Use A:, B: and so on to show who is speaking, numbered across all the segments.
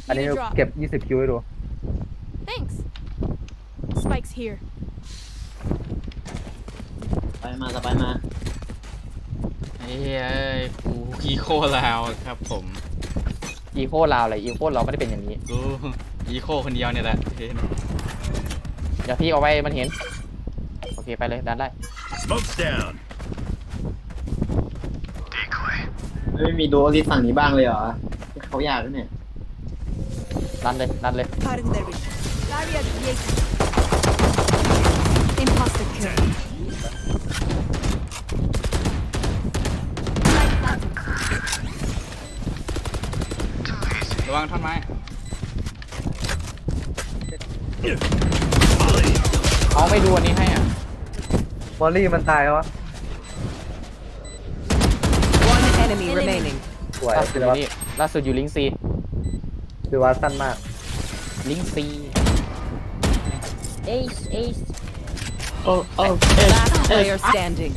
A: อันนี้
B: Need a drop.
A: เก็บ20คิวให้ดู
B: Thanks. Spike's here.
C: ไปมาสไปมา
D: เฮ้ยกูอีโคลาวครับผม
E: อีโคลาวอะไรอีโคเราไม่ได้เป็นอย่างนี้
D: กูอีโคคนเดียวเนี่ยแหละเห็น
E: เดี๋ยวพี่เอาไว้มันเห็นโอเคไปเลยดันได้
F: Smoke's down.
C: ไม่มีดูอลิสฝั่งนี้บ้างเลยเหรอเขาอยากด้วยเนี่ย
E: ดันเลยดันเลย
G: Cutting their vision.
B: Barrier created. Imposter kill.
D: ระวังท่อนไม้
E: เขาไม่ดูอันนี้ให้อ่ะ
A: มอลลี่มันตายวะ
G: One enemy remaining.
A: สวย
E: ล่าสุด
A: คือ
E: อยู่
A: ว่า
E: นี่ล่าสุดอยู่ลิงซี
A: คือว่าสั้นมาก
E: ลิงซี
G: Ace, ace.
C: โอ้โอ้
G: Last player standing.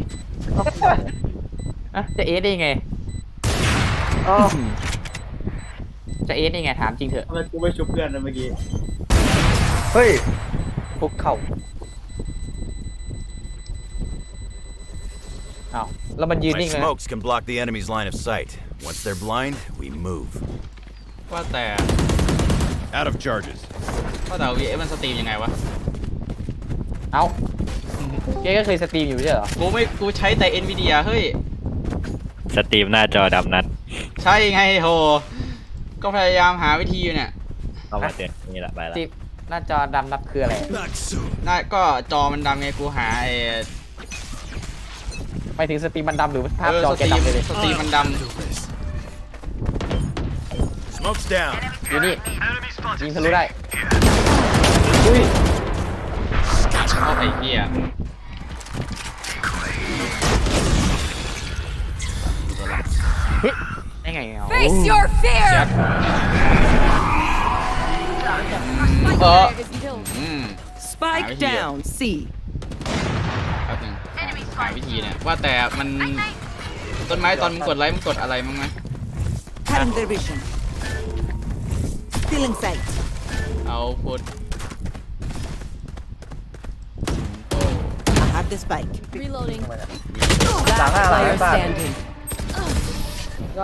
E: อ่ะจะเอสได้ยังไง
A: อ๋อ
E: จะเอสได้ยังไงถามจริงเถอะ
C: ทำไมกูไม่ชุบเพื่อนนะเมื่อกี้
A: เฮ้ย
E: พวกเข่าอ้าวแล้วมันยืน
F: My
E: นิ่งเลยนะ
F: smokes can block the enemy's line of sight. Once they're blind, we move.
D: ว่าแต่
F: Out of charges.
D: วีเอฟมันสตรีมยังไงวะ
E: เอ้าแกก็เคยสตรีมอยู่ไม่ใช่เหรอ
D: กูใช้แต่ NVIDIA เฮ้ย
H: สตรีมหน้าจอดำนัด
D: ใช่ไงโห ก็พยายามหาวิธีอยู่เนี่ย
H: เข้ามาเตือนนี่แหละไปละ
E: สตรีมหน้าจอดำนับคืออะไร
F: Not soon.
D: น่าก็จอมันดำไงกูหา
E: ไปถึงสตรีมมันดำหรือภาพจอ
D: ส
E: แก
D: ตรีม
E: ดำเลย
D: สตรีมมันด
F: Smoke's down.
E: อยู่นี่ยิงทะลุได้อุ้ย
D: ำเอาไอ้เหี้ย
E: เฮ้ยได้ไงเอา
B: Face your fear.
D: เออ
B: Is killed.
D: อืม
G: Spike
D: Ah, yeah.
G: down. C.
D: แป๊บนึงหาวิธีเนี่ยว่าแต่มันต้นไม้ตอนมึงกดไลค์มึงกดอะไรมั้งไหม
G: Cutting their vision. Still in sight.
D: เอาพูด
G: I have the spike.
B: Reloading.
G: Last
A: Tanga lang,
G: player
A: tanga.
G: standing.